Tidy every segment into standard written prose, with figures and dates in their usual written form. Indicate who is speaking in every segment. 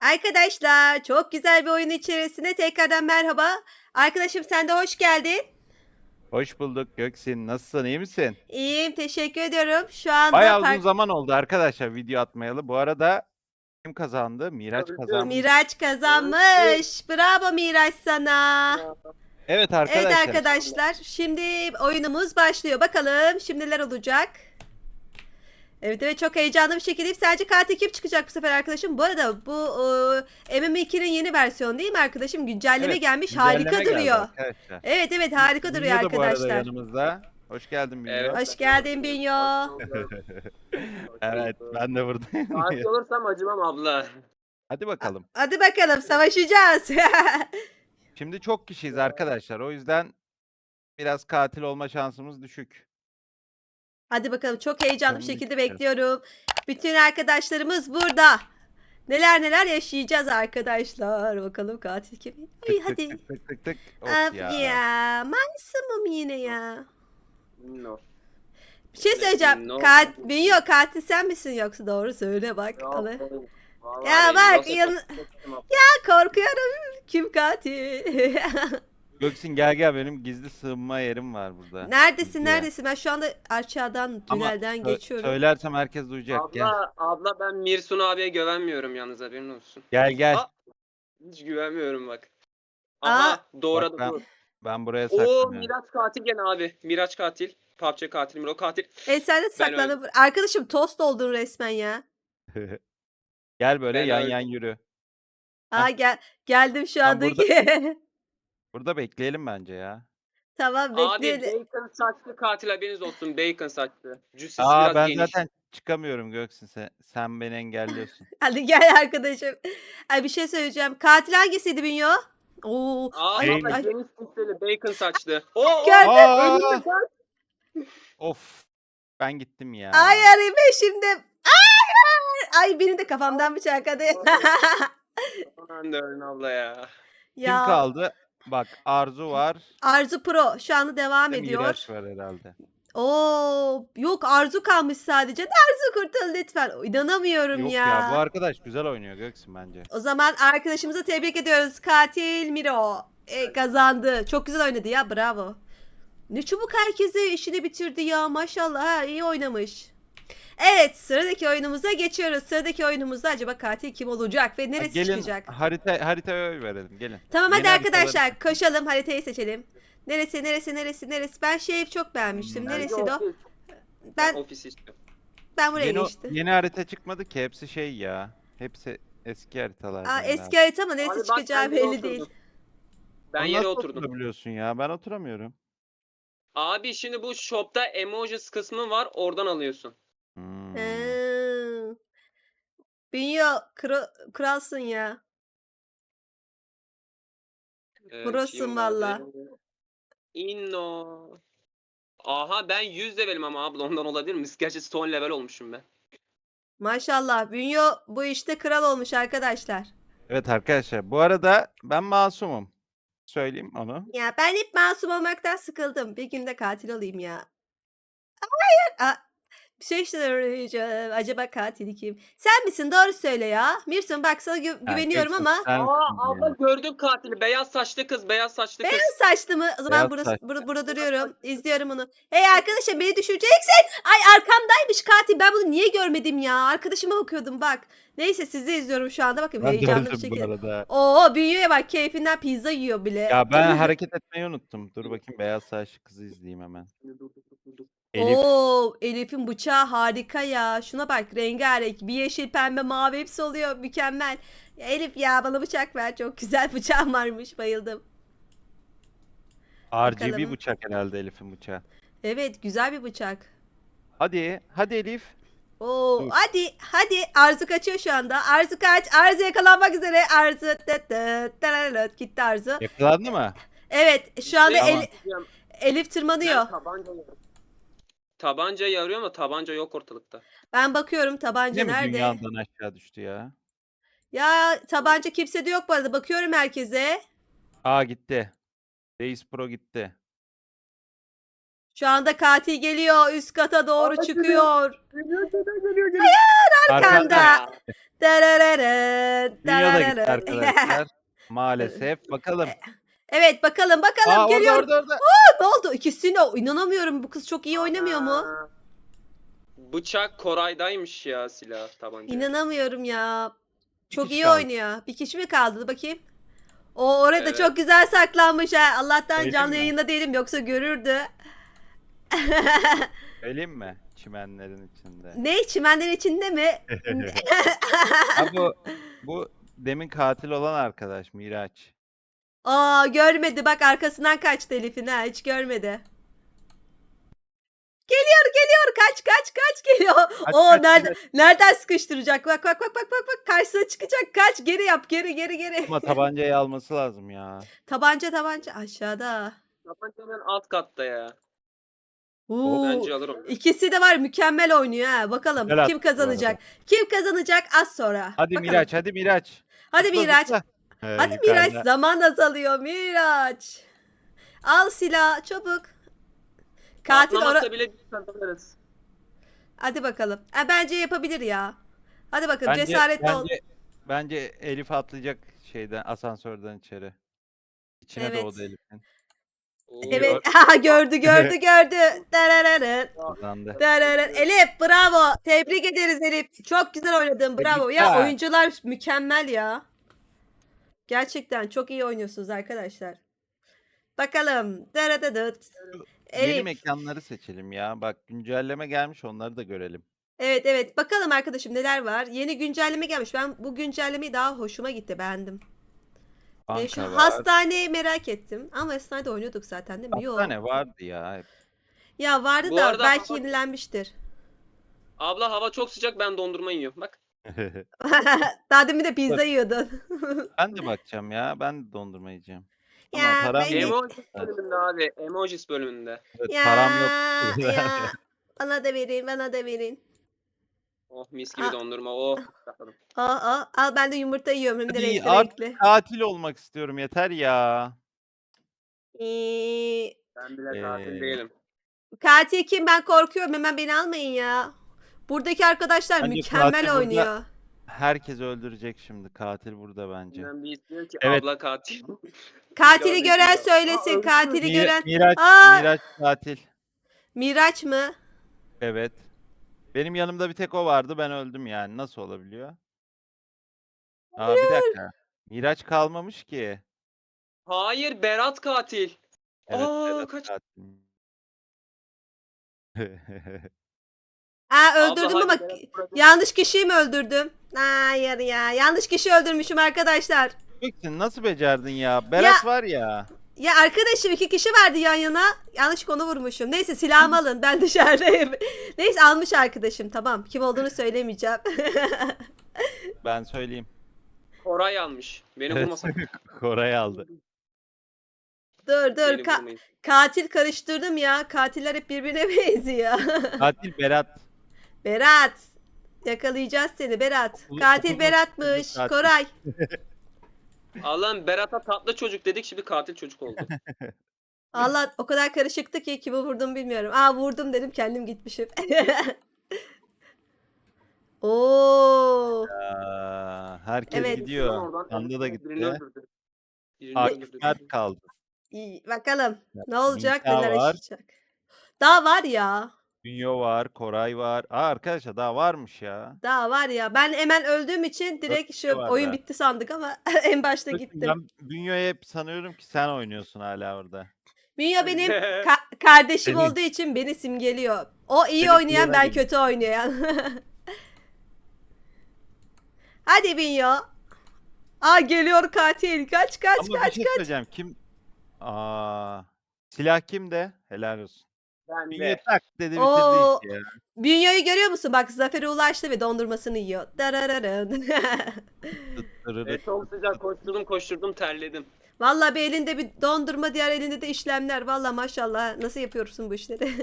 Speaker 1: Arkadaşlar, çok güzel bir oyun içerisine tekrardan merhaba. Arkadaşım sen de hoş geldin.
Speaker 2: Hoş bulduk Göksin. Nasılsın, iyi misin?
Speaker 1: İyiyim, teşekkür ediyorum. Şu anda
Speaker 2: Bayağı uzun zaman oldu arkadaşlar video atmayalı. Bu arada kim kazandı? Miraç
Speaker 3: Öldüm,
Speaker 2: kazanmış.
Speaker 1: Miraç
Speaker 3: öldüm.
Speaker 1: kazanmış. Bravo Miraç sana.
Speaker 3: Ya,
Speaker 2: Evet
Speaker 1: Evet
Speaker 2: arkadaşlar.
Speaker 1: arkadaşlar, şimdi oyunumuz başlıyor. Bakalım şimdi neler olacak. Evet evet çok heyecanlı bir şekilde sadece katil kim çıkacak bu sefer arkadaşım. Bu arada bu MM2'nin yeni versiyonu değil mi arkadaşım? Güncelleme
Speaker 2: Evet,
Speaker 1: gelmiş. Harika
Speaker 2: güncelleme geldi
Speaker 1: duruyor.
Speaker 2: arkadaşlar.
Speaker 1: Evet evet harika duruyor
Speaker 2: Bünyo da bu arada
Speaker 1: arkadaşlar.
Speaker 2: yanımızda. Hoş geldin
Speaker 3: evet.
Speaker 2: Bünyo.
Speaker 1: Hoş geldin
Speaker 3: Hoş
Speaker 1: Binyo.
Speaker 3: bulduk. Hoş
Speaker 2: Evet,
Speaker 3: bulduk.
Speaker 2: ben de buradayım.
Speaker 3: Katil olursam acımam abla.
Speaker 2: Hadi bakalım.
Speaker 1: Hadi bakalım savaşacağız.
Speaker 2: Şimdi çok kişiyiz arkadaşlar. O yüzden biraz katil olma şansımız düşük.
Speaker 1: Hadi bakalım çok heyecanlı bir
Speaker 2: Bakalım ne
Speaker 1: şekilde
Speaker 2: çıkacak.
Speaker 1: bekliyorum. Bütün arkadaşlarımız burada. Neler neler yaşayacağız arkadaşlar. Bakalım katil kim? Ay
Speaker 2: Tık tık
Speaker 1: hadi.
Speaker 2: tık tık tık tık. Of
Speaker 1: Of
Speaker 2: ya.
Speaker 1: ya. Masumum yine ya.
Speaker 3: No.
Speaker 1: Bir şey söyleyeceğim.
Speaker 3: No.
Speaker 1: Binyo katil sen misin yoksa doğru söyle bak.
Speaker 3: Yok,
Speaker 1: Allah.
Speaker 3: benim. Vallahi
Speaker 1: Ya
Speaker 3: benim.
Speaker 1: bak
Speaker 3: Yoksa
Speaker 1: yan...
Speaker 3: korkmuştum abla.
Speaker 1: korkuyorum. Kim katil?
Speaker 2: Göksin gel benim gizli sığınma yerim var burada.
Speaker 1: Neredesin
Speaker 2: Gizliye.
Speaker 1: neredesin? Ben şu anda aşağıdan
Speaker 2: Ama
Speaker 1: tünelden geçiyorum.
Speaker 2: söylersem herkes duyacak. Gel.
Speaker 3: Abla ben Mirsun abiye güvenmiyorum yalnız haberin olsun.
Speaker 2: Gel.
Speaker 3: Aa, hiç güvenmiyorum bak.
Speaker 1: Aa,
Speaker 3: Aha
Speaker 2: Bak
Speaker 3: doğradı
Speaker 2: ben
Speaker 3: dur.
Speaker 2: ben buraya
Speaker 3: Oo
Speaker 2: saklanıyorum.
Speaker 3: Miraç katil gene abi. Miraç katil. PUBG katil, Miro katil.
Speaker 1: sen de
Speaker 3: Ben öldüm.
Speaker 1: saklandın. Arkadaşım tost oldun resmen ya.
Speaker 2: Gel böyle
Speaker 3: Ben
Speaker 2: yan
Speaker 3: öldüm.
Speaker 2: yürü.
Speaker 1: Aa geldim şu
Speaker 2: Ben burada
Speaker 1: andaki.
Speaker 2: burada bekleyelim bence ya.
Speaker 1: Tamam
Speaker 3: Abi
Speaker 1: bekleyelim.
Speaker 3: bacon saçlı katil haberiniz olsun. Bacon saçlı. Cüssesi biraz
Speaker 2: Ben
Speaker 3: geniş.
Speaker 2: zaten çıkamıyorum Göksin sen beni engelliyorsun.
Speaker 1: Hadi gel arkadaşım. Ay bir şey söyleyeceğim. Katil hangisiydi Bünyo? Oo, ay
Speaker 3: Abla
Speaker 2: Neymiş?
Speaker 1: ay
Speaker 3: geniş cüsseli bacon saçlı. Oo
Speaker 1: gördüm.
Speaker 2: Aa!
Speaker 3: ölümle kaç.
Speaker 2: Of! Ben gittim
Speaker 1: Ay
Speaker 2: ya.
Speaker 1: arayayım şimdi. Ay benim de kafamdan bıçakladı.
Speaker 3: Aman da ölün abla ya.
Speaker 2: Kim
Speaker 1: Ya
Speaker 2: kaldı? Bak Arzu var.
Speaker 1: Arzu Pro şu anda devam
Speaker 2: Bir de
Speaker 1: ediyor.
Speaker 2: Miraç var herhalde.
Speaker 1: Oo, yok Arzu kalmış sadece. Arzu kurtul lütfen. İnanamıyorum
Speaker 2: Yok ya bu
Speaker 1: ya.
Speaker 2: arkadaş güzel oynuyor Göksin bence.
Speaker 1: O zaman arkadaşımızı tebrik ediyoruz. Katil Miro kazandı. Çok güzel oynadı ya. Bravo. Ne çabuk herkesi işini bitirdi ya. Maşallah ha, iyi oynamış. Evet sıradaki oyunumuza geçiyoruz. Sıradaki oyunumuzda acaba katil kim olacak ve neresi
Speaker 2: Gelin
Speaker 1: çıkacak?
Speaker 2: haritaya oy verelim gelin.
Speaker 1: Tamam hadi
Speaker 2: Yeni haritaları
Speaker 1: arkadaşlar koşalım haritayı seçelim. Neresi? Ben şeyi çok beğenmiştim.
Speaker 2: Bence
Speaker 3: Bence
Speaker 1: Neresiydi o?
Speaker 3: ofis. Ben
Speaker 1: Ben
Speaker 3: ofis istiyorum.
Speaker 1: ben buraya
Speaker 2: Yeni
Speaker 1: geçtim.
Speaker 2: yeni harita çıkmadı ki hepsi şey ya. Hepsi eski haritalardan
Speaker 1: Eski
Speaker 2: herhalde.
Speaker 1: harita ama neresi
Speaker 3: Abi bak
Speaker 1: çıkacağı
Speaker 3: ben yere
Speaker 1: belli değil.
Speaker 3: oturdum. Ben
Speaker 2: Onu
Speaker 3: yere
Speaker 2: nasıl
Speaker 3: oturdum.
Speaker 2: oturabiliyorsun ya? Ben oturamıyorum.
Speaker 3: Abi şimdi bu shop'ta emojis kısmı var oradan alıyorsun.
Speaker 2: Hmm.
Speaker 1: Ee, Bünyo kralsın ya. Prosun valla.
Speaker 3: Çiğmadı. Inno. Aha ben 100 levelim ama abla ondan olabilir mi? Gerçi son level olmuşum ben.
Speaker 1: Maşallah Bünyo bu işte kral olmuş arkadaşlar.
Speaker 2: Evet arkadaşlar bu arada ben masumum. Söyleyeyim onu.
Speaker 1: Ya ben hep masum olmaktan sıkıldım. Bir günde katil olayım ya. Aa, bir şey söyleyeceğim. Acaba katili kim? Sen misin? Doğru söyle ya. Mirsun bak sana
Speaker 2: Ya
Speaker 1: güveniyorum
Speaker 2: Göksin
Speaker 1: ama
Speaker 2: sensin
Speaker 3: Abla
Speaker 2: ya.
Speaker 3: gördüm katili. Beyaz saçlı kız, beyaz saçlı kız.
Speaker 1: beyaz saçlı mı? O zaman
Speaker 2: Beyaz saç.
Speaker 1: burada duruyorum. İzliyorum onu. Hey arkadaşım beni düşüreceksin. Ay arkamdaymış katil. Ben bunu niye görmedim ya? Arkadaşıma bakıyordum bak. Neyse sizi izliyorum şu anda. Bakın
Speaker 2: Ben de
Speaker 1: heyecanlı bir
Speaker 2: öldüm bu
Speaker 1: şekilde.
Speaker 2: arada.
Speaker 1: Oo Bünyo'ya bak keyfinden pizza yiyor bile.
Speaker 2: Ya ben hareket etmeyi unuttum. Dur bakayım beyaz saçlı kızı izleyeyim hemen. Elif.
Speaker 1: Oo, Elif'in bıçağı harika ya. Şuna bak rengarenk. Bir yeşil, pembe, mavi hepsi oluyor. Mükemmel. Ya Elif ya bana bıçak ver. Çok güzel bıçağım varmış. Bayıldım.
Speaker 2: RGB
Speaker 1: Bakalım.
Speaker 2: bıçak herhalde Elif'in bıçağı.
Speaker 1: Evet güzel bir bıçak.
Speaker 2: Hadi Elif.
Speaker 1: Oo,
Speaker 2: Dur.
Speaker 1: hadi Arzu kaçıyor şu anda. Arzu kaç. Arzu yakalanmak üzere. Arzu tıt tıt tararat. Gitti Arzu.
Speaker 2: Yakalandı mı?
Speaker 1: Evet şu anda
Speaker 2: Tamam.
Speaker 1: Elif tırmanıyor.
Speaker 3: Ben tabanca yarıyor ama tabanca yok ortalıkta.
Speaker 1: Ben bakıyorum
Speaker 2: Yine
Speaker 1: tabanca
Speaker 2: mi
Speaker 1: nerede?
Speaker 2: dünyadan aşağı düştü ya?
Speaker 1: Ya tabanca kimsede yok bu arada. Bakıyorum herkese.
Speaker 2: Gitti. Reis Pro gitti.
Speaker 1: Şu anda katil geliyor. Üst kata doğru
Speaker 3: Aa,
Speaker 1: çıkıyor.
Speaker 3: Geliyor.
Speaker 1: Arkanda.
Speaker 3: Ya.
Speaker 1: Darararın,
Speaker 2: Dünya da gitti
Speaker 1: darararın.
Speaker 2: arkadaşlar. Maalesef. Bakalım.
Speaker 1: Evet bakalım bakalım
Speaker 2: Aa, orada
Speaker 1: geliyor.
Speaker 2: orada orada.
Speaker 1: Ne oldu? İkisini inanamıyorum. Bu kız çok iyi oynamıyor mu?
Speaker 3: Aa, Bıçak Koray'daymış ya, silah tabanca.
Speaker 1: İnanamıyorum ya.
Speaker 2: Bir
Speaker 1: Çok
Speaker 2: kişi
Speaker 1: iyi
Speaker 2: kaldı.
Speaker 1: oynuyor. Bir kişi mi kaldı? Dur bakayım. O orada
Speaker 3: Evet.
Speaker 1: çok güzel saklanmış ha. Allah'tan
Speaker 2: Söyleyeyim
Speaker 1: canlı
Speaker 2: mi?
Speaker 1: yayında değilim yoksa görürdü.
Speaker 2: Söyleyeyim mi? Çimenlerin içinde.
Speaker 1: Ne? Çimenlerin içinde mi?
Speaker 2: Ha, bu demin katil olan arkadaş Miraç.
Speaker 1: Aa görmedi. Bak arkasından kaçtı Elif'in ha. Hiç görmedi. Geliyor. Kaç geliyor.
Speaker 2: Kaç,
Speaker 1: Oo
Speaker 2: kaç,
Speaker 1: nereden sıkıştıracak? Bak. Karşısına çıkacak. Kaç. Geri yap. Geri.
Speaker 2: Ama tabancayı alması lazım ya.
Speaker 1: Tabanca aşağıda.
Speaker 3: Tabanca hemen alt katta ya.
Speaker 1: Oo,
Speaker 3: Bence alır onu.
Speaker 1: ikisi de var mükemmel oynuyor ha. Bakalım
Speaker 2: Güzel
Speaker 1: kim
Speaker 2: attı bu arada.
Speaker 1: kazanacak? Kim kazanacak az sonra.
Speaker 2: Hadi
Speaker 1: Bakalım.
Speaker 2: Miraç, hadi Miraç.
Speaker 1: Hadi
Speaker 2: Zıpla,
Speaker 1: Miraç.
Speaker 2: zıpla.
Speaker 1: Hadi
Speaker 2: Yukarıda.
Speaker 1: Miraç zaman azalıyor Miraç. Al silah çabuk. Katil
Speaker 3: Atlamazsa bile biz kazanırız.
Speaker 1: Hadi bakalım. Bence yapabilir ya. Hadi bakalım
Speaker 2: Bence,
Speaker 1: cesaretli ol.
Speaker 2: bence Elif atlayacak şeyden, asansörden içeri. İçine
Speaker 1: Evet.
Speaker 2: doğdu Elif'in.
Speaker 3: Oo.
Speaker 1: Evet. Aha, gördü. Darararın.
Speaker 2: Kazandı.
Speaker 1: Elif bravo. Tebrik ederiz Elif. Çok güzel oynadın. Bravo. Ya
Speaker 2: Tebrikler.
Speaker 1: oyuncular mükemmel ya. Gerçekten çok iyi oynuyorsunuz arkadaşlar. Bakalım. Daradadıt.
Speaker 2: Yeni
Speaker 1: Elif.
Speaker 2: mekanları seçelim ya. Bak güncelleme gelmiş, onları da görelim.
Speaker 1: Evet. Bakalım arkadaşım neler var. Yeni güncelleme gelmiş. Ben bu güncellemeyi daha hoşuma gitti. Beğendim. Şu
Speaker 2: Banka var.
Speaker 1: hastaneyi merak ettim. Ama hastanede oynuyorduk zaten değil mi? Yok.
Speaker 2: Hastane vardı ya hep.
Speaker 1: Ya vardı
Speaker 3: Bu
Speaker 1: da
Speaker 3: arada
Speaker 1: belki
Speaker 3: hava-
Speaker 1: yenilenmiştir.
Speaker 3: Abla hava çok sıcak, ben dondurma yiyorum. Bak.
Speaker 1: Daha demin de pizza yiyordun.
Speaker 2: Ben de bakacağım ya. Ben de dondurma yiyeceğim. Ama
Speaker 1: Ya,
Speaker 2: param
Speaker 1: ben-
Speaker 2: yok.
Speaker 3: Emojis bölümünde abi. Emojis bölümünde.
Speaker 2: Evet,
Speaker 1: Ya,
Speaker 2: param yok.
Speaker 1: ya. Bana da verin.
Speaker 3: Oh, mis gibi
Speaker 1: Aa.
Speaker 3: dondurma. Oh. Bakalım.
Speaker 1: Al ben de yumurta yiyorum hem de
Speaker 2: Hadi
Speaker 1: renkli
Speaker 2: artık
Speaker 1: renkli.
Speaker 2: katil olmak istiyorum. Yeter ya.
Speaker 3: Ben bile
Speaker 2: Ee,
Speaker 3: tatil değilim.
Speaker 1: Katil kim? Ben korkuyorum. Hemen beni almayın ya. Buradaki arkadaşlar
Speaker 2: Bence
Speaker 1: mükemmel
Speaker 2: katil burada.
Speaker 1: oynuyor.
Speaker 2: Herkes öldürecek şimdi. Katil burada bence.
Speaker 3: Ben bir istiyor ki
Speaker 2: Evet.
Speaker 3: abla katil.
Speaker 1: Katili gören
Speaker 3: ya.
Speaker 1: söylesin.
Speaker 3: Aa,
Speaker 1: Katili gören.
Speaker 2: Miraç,
Speaker 1: Aa!
Speaker 2: Miraç katil.
Speaker 1: Miraç mı?
Speaker 2: Evet. Benim yanımda bir tek o vardı. Ben öldüm yani. Nasıl olabiliyor? Aa, bir dakika. Miraç kalmamış ki.
Speaker 3: Hayır, Berat katil.
Speaker 2: Evet,
Speaker 3: Aa,
Speaker 2: Berat
Speaker 3: kaç.
Speaker 2: katil.
Speaker 1: Öldürdüm
Speaker 3: Abla,
Speaker 1: ama
Speaker 3: hadi Berat bırakın.
Speaker 1: yanlış kişiyi mi öldürdüm? Hayır ya. Yanlış kişi öldürmüşüm arkadaşlar.
Speaker 2: Gökçin nasıl becerdin ya? Berat var ya.
Speaker 1: Ya arkadaşım 2 kişi vardı yan yana. Yanlışlıkla onu vurmuşum. Neyse silahımı alın. Ben dışarıdayım. Neyse almış arkadaşım. Tamam. Kim olduğunu söylemeyeceğim.
Speaker 2: Ben söyleyeyim.
Speaker 3: Koray almış. Beni
Speaker 2: Evet.
Speaker 3: vurmasak.
Speaker 2: Koray aldı.
Speaker 1: Dur.
Speaker 3: Beni vurmayın.
Speaker 1: Katil karıştırdım ya. Katiller hep birbirine benziyor.
Speaker 2: Katil Berat.
Speaker 1: Berat. Yakalayacağız seni Berat.
Speaker 2: Okulu-
Speaker 1: Katil
Speaker 2: okulu-
Speaker 1: Berat'mış.
Speaker 2: katil.
Speaker 1: Koray.
Speaker 3: Allah'ım, Berat'a tatlı çocuk dedik, şimdi katil çocuk oldu.
Speaker 1: Allah o kadar karışıktı ki kimi vurdum bilmiyorum. Vurdum dedim kendim gitmişim. Oo.
Speaker 2: Herkes
Speaker 1: Evet.
Speaker 2: gidiyor.
Speaker 3: Oradan
Speaker 2: Panda da
Speaker 3: birini
Speaker 2: gitti.
Speaker 3: öldürdü. Birini
Speaker 2: Akif
Speaker 3: öldürdü.
Speaker 2: Mert kaldı.
Speaker 1: İyi, bakalım ne olacak
Speaker 2: Nisa
Speaker 1: neler
Speaker 2: var.
Speaker 1: yaşayacak. Daha var ya.
Speaker 2: Dünyo var. Koray var. Arkadaşlar daha varmış ya.
Speaker 1: Daha var ya. Ben hemen öldüğüm için direkt
Speaker 2: kişi
Speaker 1: şu
Speaker 2: var
Speaker 1: oyun
Speaker 2: daha.
Speaker 1: bitti sandık ama en başta
Speaker 2: Gökçin,
Speaker 1: gittim.
Speaker 2: ben Dünyo'yu hep sanıyorum ki sen oynuyorsun hala orada.
Speaker 1: Dünya benim kardeşim
Speaker 2: Senin-
Speaker 1: olduğu için beni simgeliyor. O iyi
Speaker 2: Senin
Speaker 1: oynayan
Speaker 2: klona
Speaker 1: ben
Speaker 2: geliyor.
Speaker 1: kötü oynayan. Hadi Binyo. Geliyor katil. Kaç
Speaker 2: Ama bir şey söyleyeceğim. Silah kimde? Helal olsun.
Speaker 3: Ben
Speaker 2: Dünyo
Speaker 3: de.
Speaker 2: tak dedi bitirdi
Speaker 1: Oo.
Speaker 2: işi ya.
Speaker 1: Bünyo'yu görüyor musun? Bak zafere ulaştı ve dondurmasını yiyor. Darararın.
Speaker 3: Çok sıcak, koşturdum terledim.
Speaker 1: Vallahi bir elinde bir dondurma, diğer elinde de işlemler. Vallahi maşallah. Nasıl yapıyorsun bu işleri?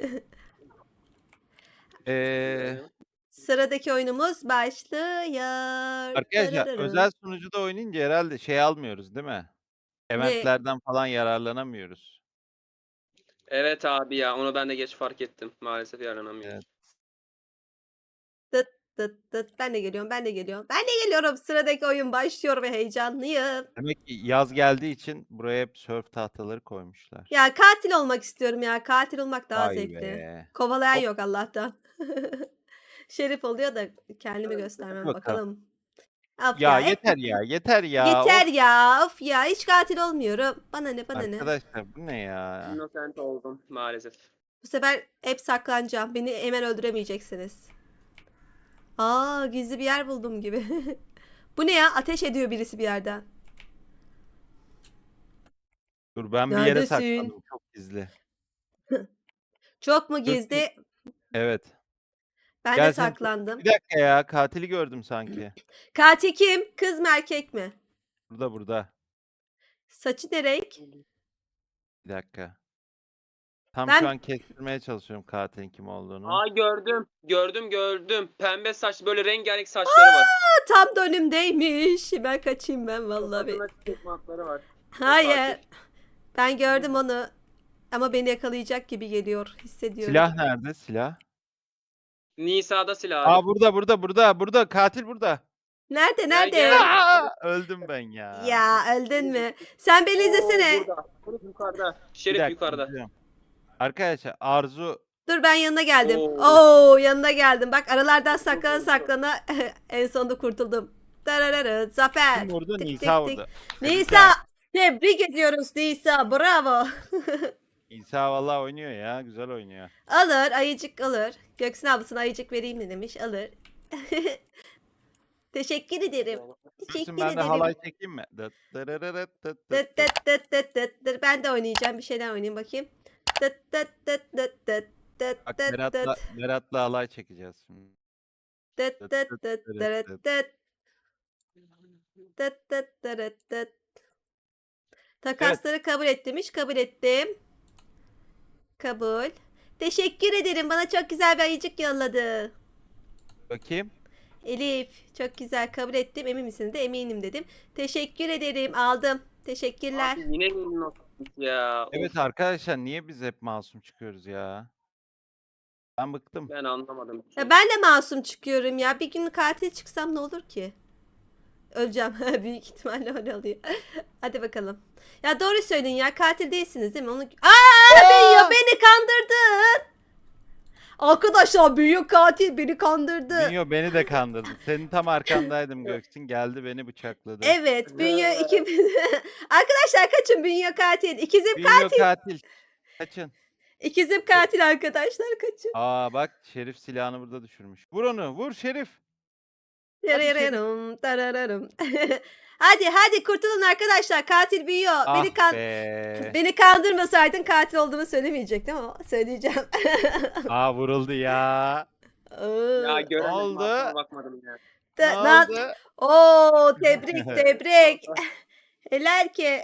Speaker 1: Sıradaki oyunumuz başlıyor.
Speaker 2: Arkadaşlar
Speaker 1: Darararın.
Speaker 2: özel sunucuda oynayınca herhalde şey almıyoruz değil mi? Eventlerden falan yararlanamıyoruz.
Speaker 3: Evet abi ya, onu ben de geç fark ettim. Maalesef yaranamıyorum.
Speaker 2: Evet.
Speaker 1: Tıt tıt tıt. Ben de geliyorum, ben de geliyorum. Ben de geliyorum. Sıradaki oyun başlıyor ve heyecanlıyım.
Speaker 2: Demek ki yaz geldiği için buraya hep sörf tahtaları koymuşlar.
Speaker 1: Ya katil olmak istiyorum ya. Katil olmak daha
Speaker 2: Vay
Speaker 1: zevkli.
Speaker 2: be.
Speaker 1: Kovalayan
Speaker 2: Hop,
Speaker 1: yok Allah'tan. Şerif oluyor da kendimi
Speaker 3: Hadi
Speaker 1: göstermem
Speaker 2: bakalım.
Speaker 1: bakalım. Of
Speaker 2: Ya
Speaker 1: ya hep
Speaker 2: yeter ya, yeter ya.
Speaker 1: yeter
Speaker 2: Of
Speaker 1: ya. Of ya hiç katil olmuyorum. Bana ne bana ne.
Speaker 2: arkadaşlar bu ne ya?
Speaker 3: Innocent oldum maalesef.
Speaker 1: Bu sefer hep saklanacağım. Beni hemen öldüremeyeceksiniz. Aa gizli bir yer buldum gibi. Bu ne ya? Ateş ediyor birisi bir yerden.
Speaker 2: Dur ben bir yere
Speaker 1: Neredesin?
Speaker 2: saklandım çok gizli.
Speaker 1: Çok mu
Speaker 2: Dur,
Speaker 1: gizli?
Speaker 2: evet.
Speaker 1: Ben de
Speaker 2: Gel seni
Speaker 1: saklandım.
Speaker 2: bir dakika ya katili gördüm sanki.
Speaker 1: Katil kim? Kız mı erkek mi?
Speaker 2: Burada burada.
Speaker 1: Saçı ne renk?
Speaker 2: Bir dakika. Tam şu
Speaker 1: Ben
Speaker 2: an kestirmeye çalışıyorum katilin kim olduğunu.
Speaker 3: Aa, gördüm. Pembe saç, böyle rengarenk saçları var.
Speaker 1: tam da önümdeymiş. Ben kaçayım ben vallahi.
Speaker 3: Kafasında çıkmakları var. O
Speaker 1: Hayır.
Speaker 3: katil.
Speaker 1: Ben gördüm onu. Ama beni yakalayacak gibi geliyor. Hissediyorum.
Speaker 2: Silah nerede? Silah.
Speaker 3: Nisa'da silah abi.
Speaker 2: Aa burada katil burada.
Speaker 1: Nerede?
Speaker 3: Gel,
Speaker 1: Nerede?
Speaker 3: gel.
Speaker 2: Aa, öldüm ben ya.
Speaker 1: Ya öldün mü? Sen beni izlesene.
Speaker 3: Burada. Şerif yukarıda.
Speaker 2: Bir
Speaker 3: Şerif
Speaker 2: dakika,
Speaker 3: yukarıda.
Speaker 2: izliyorum. Arkadaşlar Arzu
Speaker 1: Dur ben yanına geldim.
Speaker 3: Oo.
Speaker 1: Oo yanına geldim. Bak aralardan saklana saklana en sonunda kurtuldum. Darararı, Zafer.
Speaker 2: kim vurdu?
Speaker 1: Tık
Speaker 2: Nisa
Speaker 1: tık tık.
Speaker 2: vurdu.
Speaker 1: Nisa. Tebrik ediyoruz Nisa. Bravo.
Speaker 2: Nisa vallahi oynuyor ya. Güzel oynuyor.
Speaker 1: Alır. Ayıcık alır. Göksin ablasına ayıcık vereyim mi demiş. Alır. Teşekkür ederim. Teşekkür
Speaker 2: Dursun ben de
Speaker 1: ederim.
Speaker 2: halay çekeyim mi? Dıt dırırırıt dıt dıt
Speaker 1: Dıt
Speaker 2: dıt.
Speaker 1: dıt dıt dıt dıt dıt. Ben de oynayacağım. Bir şeyler oynayayım bakayım. Dıt dıt dıt dıt dıt dıt
Speaker 2: Bak
Speaker 1: dıt
Speaker 2: Berat'la,
Speaker 1: dıt.
Speaker 2: Berat'la halay çekeceğiz şimdi.
Speaker 1: Dıt
Speaker 2: Dıt
Speaker 1: dıt
Speaker 2: dıt
Speaker 1: dıt
Speaker 2: dırıt
Speaker 1: dırıt
Speaker 2: dıt.
Speaker 1: dıt. Dıt dıt dırıt dıt.
Speaker 2: Evet.
Speaker 1: Takasları kabul et demiş. Kabul ettim. Kabul. Teşekkür ederim. Bana çok güzel bir ayıcık yolladı.
Speaker 2: Bakayım.
Speaker 1: Elif. Çok güzel kabul ettim. Emin misin de eminim dedim. Teşekkür ederim. Aldım. Teşekkürler.
Speaker 3: Abi yine Innocent ya.
Speaker 2: Evet
Speaker 3: Of,
Speaker 2: arkadaşlar niye biz hep masum çıkıyoruz ya? Ben bıktım.
Speaker 3: ben anlamadım.
Speaker 1: Ya ben de masum çıkıyorum ya. Bir gün katil çıksam ne olur ki? Öleceğim. Büyük ihtimalle öyle oluyor. Hadi bakalım. Ya doğru söyleyin ya. Katil değilsiniz değil mi? Onu... Büyüyor beni kandırdın. Arkadaşlar büyük katil beni kandırdı.
Speaker 2: Bünyo beni de kandırdı. Senin tam arkandaydım Göksin. Geldi beni bıçakladı.
Speaker 1: Evet, Bünyo ikimiz. Arkadaşlar kaçın Bünyo katil.
Speaker 2: Bünyo katil. Kaçın.
Speaker 1: İkizim katil arkadaşlar kaçın.
Speaker 2: Aa bak Şerif silahını burada düşürmüş. Vur onu. Vur Şerif.
Speaker 1: Yarararım, tarararım. Hadi kurtulun arkadaşlar. Katil Bünyo.
Speaker 2: Ah
Speaker 1: Beni
Speaker 2: be.
Speaker 1: beni kandırmasaydın katil olduğumu söylemeyecektim ama söyleyeceğim.
Speaker 2: Aa vuruldu ya.
Speaker 3: Ya göremedim.
Speaker 2: Oldu.
Speaker 3: Arkama bakmadım ya.
Speaker 2: Ne
Speaker 1: Da-
Speaker 2: oldu?
Speaker 1: Oo tebrik. Helal ki.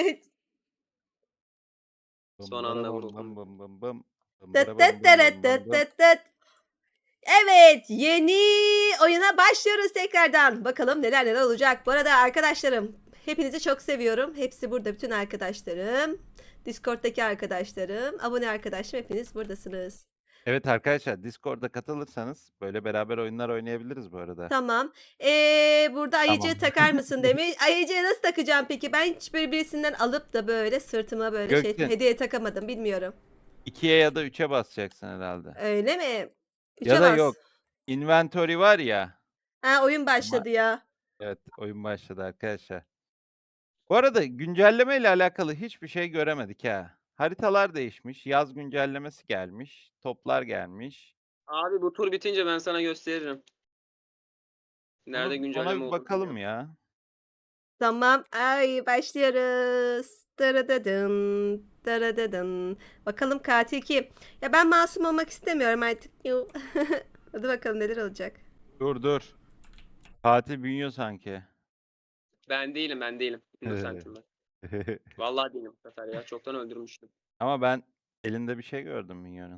Speaker 3: Son anda vuruldum.
Speaker 2: Bım bım bım bım. Bım
Speaker 1: Tıt
Speaker 2: bıra bım
Speaker 1: tıt
Speaker 2: bım bım
Speaker 1: tırıt
Speaker 2: bım
Speaker 1: tıt
Speaker 2: bım.
Speaker 1: tıt tıt. Evet, yeni oyuna başlıyoruz tekrardan. Bakalım neler olacak. Bu arada arkadaşlarım, hepinizi çok seviyorum. Hepsi burada, bütün arkadaşlarım. Discord'daki arkadaşlarım, abone arkadaşlarım hepiniz buradasınız.
Speaker 2: Evet arkadaşlar Discord'da katılırsanız böyle beraber oyunlar oynayabiliriz bu arada.
Speaker 1: Tamam. Burada ayıcığı takar mısın demiş. Ayıcığı nasıl takacağım peki? Ben hiç böyle birisinden alıp da böyle sırtıma böyle
Speaker 2: Gökçe.
Speaker 1: hediye takamadım. Bilmiyorum.
Speaker 2: 2'ye ya da 3'e basacaksın herhalde.
Speaker 1: Öyle mi?
Speaker 2: Ya
Speaker 1: Üçe
Speaker 2: da
Speaker 1: bas.
Speaker 2: yok. Inventory var ya.
Speaker 1: Ha, oyun başladı ya.
Speaker 2: Evet oyun başladı arkadaşlar. Bu arada güncelleme ile alakalı hiçbir şey göremedik ha. Haritalar değişmiş. Yaz güncellemesi gelmiş. Toplar gelmiş.
Speaker 3: Abi bu tur bitince ben sana gösteririm. Nerede
Speaker 2: Ona
Speaker 3: güncelleme
Speaker 2: bir
Speaker 3: olduğunu
Speaker 2: bakalım
Speaker 3: bilmiyorum.
Speaker 2: ya.
Speaker 1: Tamam. Ay başlıyoruz. Dırıdıdın, dırıdıdın. Bakalım katil kim? Ya ben masum olmak istemiyorum artık. Yuh. Hadi bakalım neler olacak.
Speaker 2: Dur. Katil bünüyor sanki.
Speaker 3: Ben değilim. Innocent'im ben. Vallahi değilim bu sefer ya. Çoktan öldürmüştüm.
Speaker 2: Ama ben elinde bir şey gördüm Minyon'un.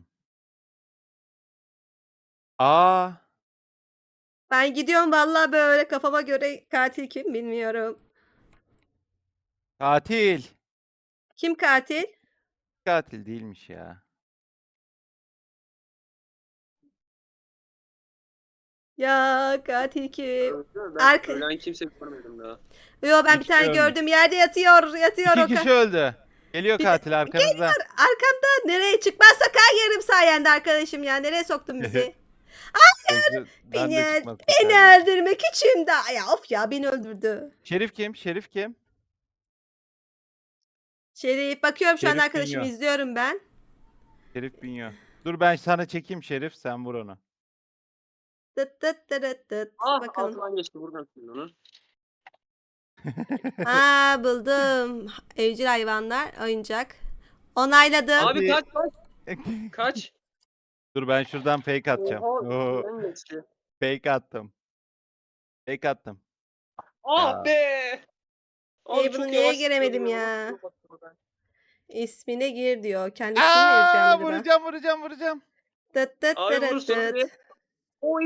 Speaker 2: Aa,
Speaker 1: Ben gidiyorum vallahi böyle kafama göre katil kim bilmiyorum.
Speaker 2: katil.
Speaker 1: Kim katil?
Speaker 2: katil değilmiş ya.
Speaker 1: Ya katil kim?
Speaker 3: Ben
Speaker 1: Arka...
Speaker 3: ölen kimse görmedim daha.
Speaker 1: Yo ben
Speaker 2: Bir
Speaker 1: bir
Speaker 2: kişi
Speaker 1: tane
Speaker 2: ölmüş.
Speaker 1: gördüm yerde yatıyor. Yatıyor
Speaker 2: 2
Speaker 1: o
Speaker 2: kişi öldü. Geliyor
Speaker 1: Bir de-
Speaker 2: katil arkanızda.
Speaker 1: Arkamda nereye çıkmazsa yerim sayende arkadaşım ya. Nereye soktun bizi?
Speaker 2: Ben de çıkmaz
Speaker 1: Beni
Speaker 2: kaçardım.
Speaker 1: öldürmek için de. Ya of ya beni öldürdü.
Speaker 2: Şerif kim? Şerif kim?
Speaker 1: Şerif bakıyorum şu an
Speaker 2: Şerif
Speaker 1: arkadaşımı
Speaker 2: Bünyo.
Speaker 1: izliyorum ben.
Speaker 2: Şerif Bünyo. Dur ben sana çekeyim Şerif, sen vur onu.
Speaker 1: Tıt tıt tırıt tıt.
Speaker 3: Ah
Speaker 1: Bakalım.
Speaker 3: altından geçti buradan şimdi onu.
Speaker 1: Ha buldum. Evcil hayvanlar oyuncak. Onayladım.
Speaker 3: Abi
Speaker 2: Hadi.
Speaker 3: kaç. Kaç.
Speaker 2: Dur ben şuradan fake atacağım.
Speaker 3: Oha
Speaker 2: Oo,
Speaker 3: üstünden geçti.
Speaker 2: fake attım. Fake attım.
Speaker 3: Ah
Speaker 2: Ya.
Speaker 3: be. Abi
Speaker 1: bunu
Speaker 3: çok
Speaker 1: niye
Speaker 3: yavaş
Speaker 1: giremedim
Speaker 3: gidiyor
Speaker 1: ya?
Speaker 3: Nasıl buradan?
Speaker 1: İsmine gir diyor. Kendi ismini mi vereceğim acaba?
Speaker 2: Vuracağım.
Speaker 1: Tıt tıt
Speaker 3: Abi
Speaker 1: tırıt
Speaker 3: vurursun
Speaker 1: tıt.
Speaker 3: hadi. Oy.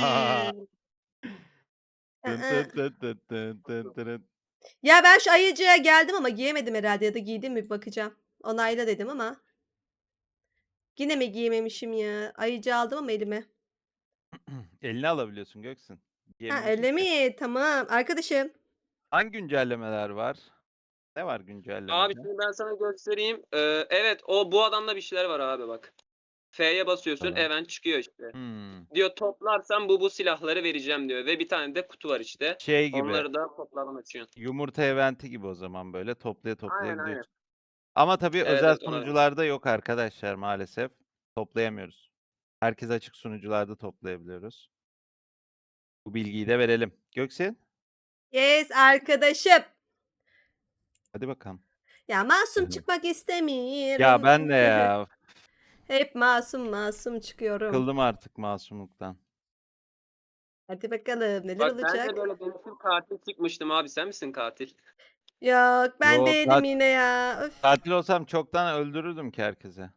Speaker 2: Tın
Speaker 1: Aa.
Speaker 2: tın tın tın tın tın tın.
Speaker 1: Ya ben şu ayıcıya geldim ama giyemedim herhalde ya da giydim mi bir bakacağım. Onayla dedim ama. Yine mi giyememişim ya? Ayıcı aldım ama elime.
Speaker 2: Eline alabiliyorsun Göksin.
Speaker 1: Ha
Speaker 2: Diyememişsin
Speaker 1: öyle
Speaker 2: ki.
Speaker 1: mi? Tamam. Arkadaşım.
Speaker 2: Hangi güncellemeler var? Ne var
Speaker 3: Abi
Speaker 2: güncellemede?
Speaker 3: şimdi ben sana göstereyim. Evet bu adamda bir şeyler var abi bak. F'ye basıyorsun
Speaker 2: Tamam.
Speaker 3: event çıkıyor işte.
Speaker 2: Hmm.
Speaker 3: Diyor toplarsan bu silahları vereceğim diyor. Ve bir tane de kutu var işte.
Speaker 2: Şey gibi.
Speaker 3: Onları da toplardan açıyorsun.
Speaker 2: Yumurta eventi gibi o zaman böyle toplaya
Speaker 3: Aynen.
Speaker 2: gidiyorsun. Ama tabii
Speaker 3: Evet,
Speaker 2: özel
Speaker 3: evet, ona-
Speaker 2: sunucularda yok arkadaşlar maalesef. Toplayamıyoruz. Herkes açık sunucularda toplayabiliyoruz. Bu bilgiyi de verelim. Göksin,
Speaker 1: Yes arkadaşım.
Speaker 2: hadi bakalım.
Speaker 1: Ya masum
Speaker 2: Hı.
Speaker 1: çıkmak istemiyorum.
Speaker 2: Ya ben de ya.
Speaker 1: Hep masum çıkıyorum.
Speaker 2: Kıldım artık masumluktan.
Speaker 1: Hadi bakalım neler
Speaker 3: Bak ben
Speaker 1: olacak?
Speaker 3: de böyle denetim katil çıkmıştım abi. Sen misin katil?
Speaker 1: Yok ben
Speaker 2: Yok,
Speaker 1: değilim yine ya. Öf.
Speaker 2: Katil olsam çoktan öldürürdüm ki herkese.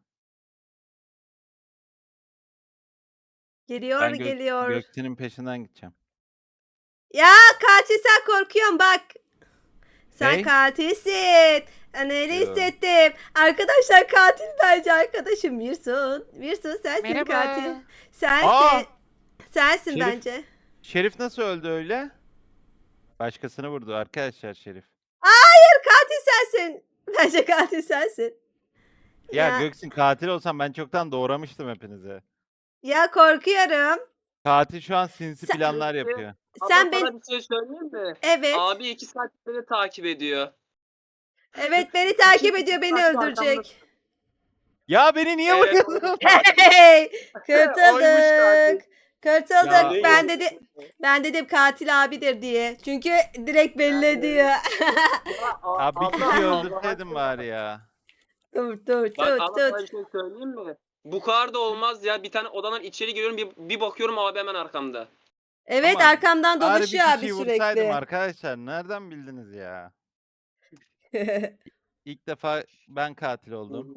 Speaker 1: Geliyor
Speaker 2: Ben
Speaker 1: geliyor.
Speaker 2: Göksin'in peşinden gideceğim.
Speaker 1: Ya katil sen korkuyorsun bak. Sen
Speaker 2: Ney?
Speaker 1: katilsin. Ben öyle
Speaker 2: Yo.
Speaker 1: hissettim. Arkadaşlar katil bence arkadaşım Mirsun. Mirsun sensin
Speaker 2: Merhaba.
Speaker 1: katil. Sensin.
Speaker 2: Aa!
Speaker 1: Sensin
Speaker 2: Şerif-
Speaker 1: bence.
Speaker 2: Şerif nasıl öldü öyle? Başkasını vurdu arkadaşlar Şerif.
Speaker 1: Hayır katil sensin. Bence katil sensin.
Speaker 2: Ya,
Speaker 1: Ya,
Speaker 2: Göksin katil olsam ben çoktan doğramıştım hepinizi.
Speaker 1: ya korkuyorum.
Speaker 2: Katil şu an sinsi
Speaker 1: Sen-
Speaker 2: planlar yapıyor.
Speaker 1: Sen
Speaker 3: Ama
Speaker 1: ben
Speaker 3: sana bir şey söyleyeyim mi?
Speaker 1: evet.
Speaker 3: Abi 2 saattir beni takip ediyor.
Speaker 1: Evet beni takip
Speaker 3: İki-
Speaker 1: ediyor beni
Speaker 3: saat
Speaker 1: öldürecek.
Speaker 2: Ya beni niye
Speaker 3: Evet,
Speaker 2: vuruyorsun?
Speaker 1: Hey!
Speaker 3: Oymuş
Speaker 1: Kurtulduk. Kurtulduk.
Speaker 2: Ya.
Speaker 1: Ben dedim katil abidir diye. Çünkü direkt belli
Speaker 3: Evet.
Speaker 1: ediyor.
Speaker 2: Abi bir kişiyi öldürseydin bari ya.
Speaker 1: Tut
Speaker 3: Bak ama sana bir
Speaker 1: tut.
Speaker 3: şey söyleyeyim mi? Bu kadar da olmaz ya. Bir tane odadan içeri giriyorum bir bakıyorum abi hemen arkamda.
Speaker 1: Evet
Speaker 2: Ama
Speaker 1: arkamdan
Speaker 2: Bari bir
Speaker 1: dolaşıyor abi
Speaker 2: kişiyi vursaydım
Speaker 1: sürekli.
Speaker 2: arkadaşlar. Nereden bildiniz ya? İlk defa ben katil oldum.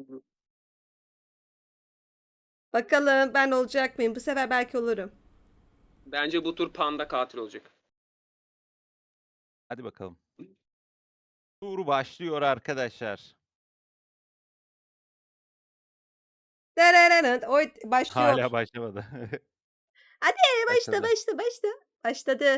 Speaker 1: Bakalım ben olacak mıyım? Bu sefer belki olurum.
Speaker 3: Bence bu tur panda katil olacak.
Speaker 2: Hadi bakalım. Tur başlıyor arkadaşlar.
Speaker 1: Oy başlıyor.
Speaker 2: Hala başlamadı.
Speaker 1: Hadi
Speaker 2: Başladı.
Speaker 1: Başladı.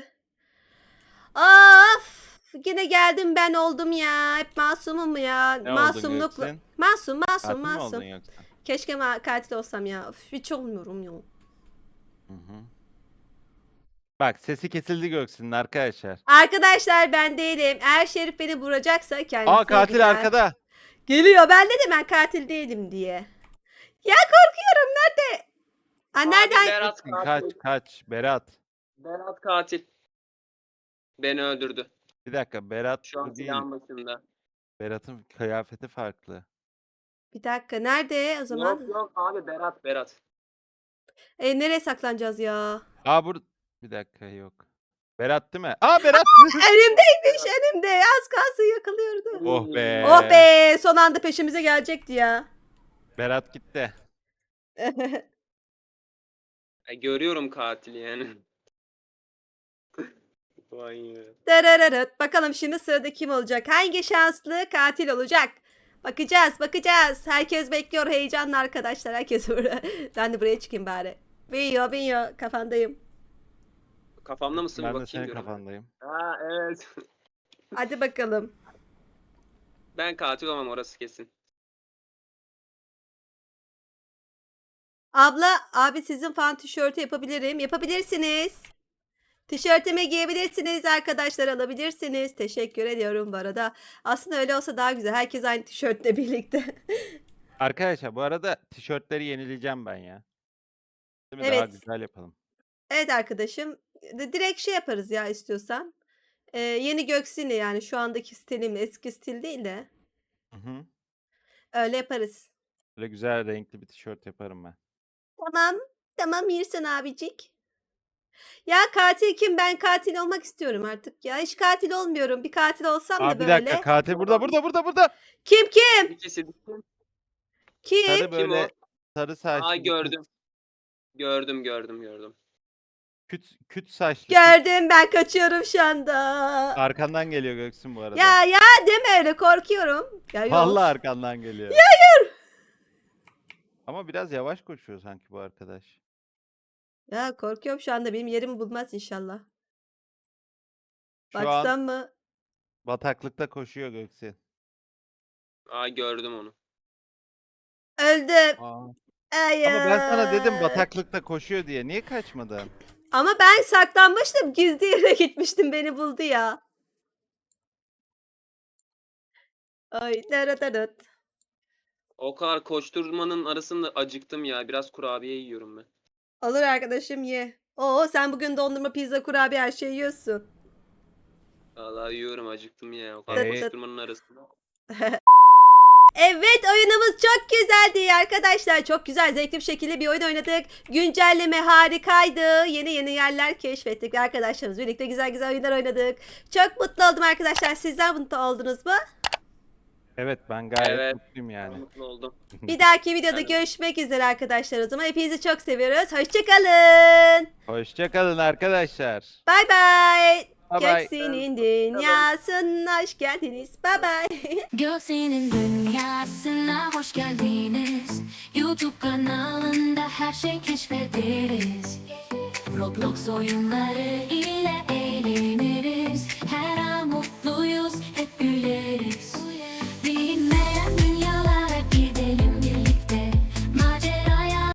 Speaker 1: Of! Yine geldim ben oldum ya. Hep masumum ya.
Speaker 2: Ne oldun
Speaker 1: Masumlukla.
Speaker 2: Göksin?
Speaker 1: Masum
Speaker 2: Katil mi oldun
Speaker 1: masum.
Speaker 2: yoksa?
Speaker 1: Keşke katil olsam ya. Of, hiç olmuyorum ya.
Speaker 2: Hı hı. Bak sesi kesildi Göksin'in arkadaşlar.
Speaker 1: Arkadaşlar ben değilim. Eğer Şerif beni vuracaksa kendisi
Speaker 2: Aa katil
Speaker 1: gider.
Speaker 2: arkada.
Speaker 1: Geliyor. Ben dedim ben katil değilim diye. Ya korkuyorum. Nerede? Aa,
Speaker 3: Abi
Speaker 1: nereden?
Speaker 3: Berat katil.
Speaker 2: Kaç. Berat.
Speaker 3: Berat katil. Beni öldürdü.
Speaker 2: Bir dakika Berat
Speaker 3: Şu an
Speaker 2: bu değil.
Speaker 3: silahın başında.
Speaker 2: Berat'ın kıyafeti farklı.
Speaker 1: Bir dakika. Nerede o zaman?
Speaker 3: Yok abi Berat.
Speaker 1: Nereye saklanacağız ya?
Speaker 2: Aa bir dakika yok. Berat değil mi? Aa Berat.
Speaker 1: Önümdeymiş önümde. Az kalsın yakalıyordu.
Speaker 2: Oh be.
Speaker 1: Oh be. Son anda peşimize gelecekti ya.
Speaker 2: Berat gitti.
Speaker 3: Görüyorum katili yani. Vay ya.
Speaker 1: Darararıt. Bakalım şimdi sırada kim olacak? Hangi şanslı katil olacak? Bakacağız, bakacağız. Herkes bekliyor heyecanla arkadaşlar. Herkes burada. Ben de buraya çıkayım bari. Binyo, kafandayım.
Speaker 3: Kafamda mısın bir
Speaker 2: Ben de
Speaker 3: bakayım
Speaker 2: senin
Speaker 3: diyorum.
Speaker 2: kafandayım.
Speaker 3: Ha evet.
Speaker 1: Hadi bakalım.
Speaker 3: Ben katil olmam orası kesin.
Speaker 1: Abla, abi sizin fan tişörtü yapabilirim. Yapabilirsiniz. Tişörtümü giyebilirsiniz arkadaşlar, alabilirsiniz. Teşekkür ediyorum bu arada. Aslında öyle olsa daha güzel. Herkes aynı tişörtle birlikte.
Speaker 2: Arkadaşlar bu arada tişörtleri yenileyeceğim ben ya. Değil mi? Daha
Speaker 1: Evet.
Speaker 2: güzel yapalım.
Speaker 1: Evet arkadaşım. Direkt şey yaparız ya istiyorsan. Yeni Göksini yani şu andaki stilimle, eski stil değil de
Speaker 2: Hı hı.
Speaker 1: öyle yaparız.
Speaker 2: Böyle güzel renkli bir tişört yaparım ben.
Speaker 1: Tamam. Tamam Mirsan abicik. Ya katil kim? Ben katil olmak istiyorum artık ya. Hiç katil olmuyorum. Bir katil olsam da
Speaker 2: Bir dakika,
Speaker 1: böyle.
Speaker 2: katil burada.
Speaker 1: Kim?
Speaker 3: Bir kişi kim?
Speaker 1: Kim?
Speaker 2: Sarı
Speaker 3: Kim o?
Speaker 2: böyle sarı saçlı
Speaker 3: Aa
Speaker 2: bir kız.
Speaker 3: gördüm. Gördüm.
Speaker 2: Küt saçlı kız.
Speaker 1: Gördüm, ben kaçıyorum şu anda.
Speaker 2: Arkandan geliyor Göksin bu arada.
Speaker 1: Ya deme öyle, korkuyorum. Ya yok.
Speaker 2: Vallahi arkandan geliyor. Ama biraz yavaş koşuyor sanki bu arkadaş.
Speaker 1: Ya korkuyorum şu anda, benim yerimi bulmaz inşallah.
Speaker 2: Şu an
Speaker 1: Baksam mı?
Speaker 2: bataklıkta koşuyor Göksin.
Speaker 3: Aa gördüm onu.
Speaker 1: Öldüm.
Speaker 2: Aa.
Speaker 1: Hayır.
Speaker 2: Ama ben sana dedim bataklıkta koşuyor diye. Niye kaçmadın?
Speaker 1: Ama ben saklanmıştım. Gizli yere gitmiştim. Beni buldu ya. Ay daradarut.
Speaker 3: O kadar koşturmanın arasında acıktım ya. Biraz kurabiye yiyorum ben.
Speaker 1: Olur arkadaşım, ye. Oo, sen bugün dondurma, pizza, kurabiye her şeyi yiyorsun.
Speaker 3: Vallahi yiyorum acıktım ya. O kadar
Speaker 2: Ee,
Speaker 3: koşturmanın arasında.
Speaker 1: Evet, oyunumuz çok güzeldi arkadaşlar. Çok güzel, zevkli bir şekilde bir oyun oynadık. Güncelleme harikaydı. Yeni yerler keşfettik arkadaşlarımız. Birlikte güzel oyunlar oynadık. Çok mutlu oldum arkadaşlar. Sizler mutlu oldunuz mu?
Speaker 2: Evet ben gayet
Speaker 3: Evet.
Speaker 2: mutluyum yani.
Speaker 3: Mutlu oldum.
Speaker 1: Bir dahaki videoda
Speaker 3: Evet.
Speaker 1: görüşmek üzere arkadaşlar o zaman. Hepinizi çok seviyoruz. Hoşçakalın.
Speaker 2: Hoşçakalın arkadaşlar.
Speaker 1: Bay bay.
Speaker 2: Bye bye.
Speaker 1: Göksin'in dünyasına hoş geldiniz. Bay bay.
Speaker 4: Göksin'in dünyasına hoş geldiniz. YouTube kanalında her şey keşfederiz. Roblox oyunları ile